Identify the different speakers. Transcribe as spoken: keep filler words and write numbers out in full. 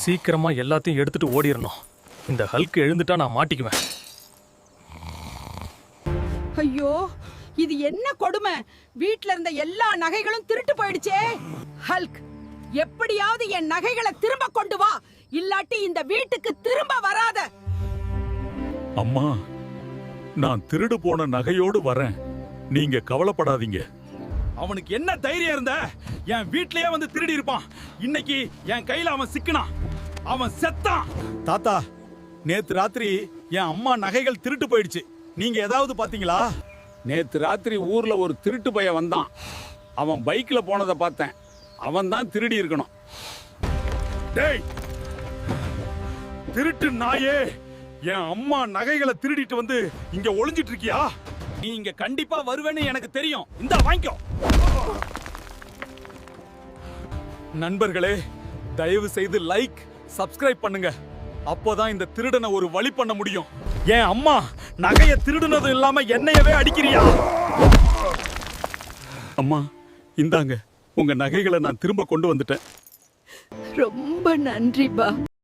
Speaker 1: சீக்கிரமா எல்லாத்தையும் எடுத்துட்டு ஓடிரணும். இந்த ஹல்க் எழுந்துட்டா நான் மாட்டிக்குவேன்.
Speaker 2: ஐயோ, இது என்ன கொடுமை! வீட்ல இருந்த எல்லா நகைகளும் திருட்டு போயிடுச்சே. ஹல்க், எப்படியாவது என் நகைகளை திரும்ப கொண்டு வா, இல்லாட்டி இந்த வீட்டுக்கு திரும்ப வராத.
Speaker 3: அம்மா, நான் திருடு போன நகையோடு வரேன், நீங்க கவலைப்படாதீங்க.
Speaker 4: அவனுக்கு என்ன தைரியம் இருந்த என் வீட்லயே வந்து திருடி இருப்பான். இன்னைக்கு என் கையில அவன் சிக்கினான், அவன் செத்தான். தாத்தா, நேத்து ராத்திரி என் அம்மா நகைகள் திருட்டு போயிடுச்சு. நீங்க ஏதாவது பாத்தீங்களா?
Speaker 5: நேத்து ராத்திரி ஊர்ல ஒரு திருட்டு பையன் வந்தான். அவன் பைக்ல போனதை பார்த்தேன். அவன் தான் திருடி இருக்கணும்.
Speaker 4: டேய் திருட்டு நாயே, என் அம்மா நகைகளை திருடிட்டு வந்து இங்க ஒளிஞ்சிட்டு இருக்கியா? நீ இங்க கண்டிப்பா வருவேன்னு எனக்கு தெரியும். இந்த வாங்கிக்கோ. நண்பர்களே, தயவு செய்து லைக், சப்ஸ்கிரைப் பண்ணுங்க. அப்போதான் இந்த திருடனை ஒரு வழி பண்ண முடியும். என் அம்மா நகைய திருடுனதும் இல்லாம என்னையவே அடிக்கிறியா?
Speaker 3: அம்மா, இந்தாங்க, உங்க நகைகளை நான் திரும்ப கொண்டு வந்துட்டேன்.
Speaker 2: ரொம்ப நன்றி பா.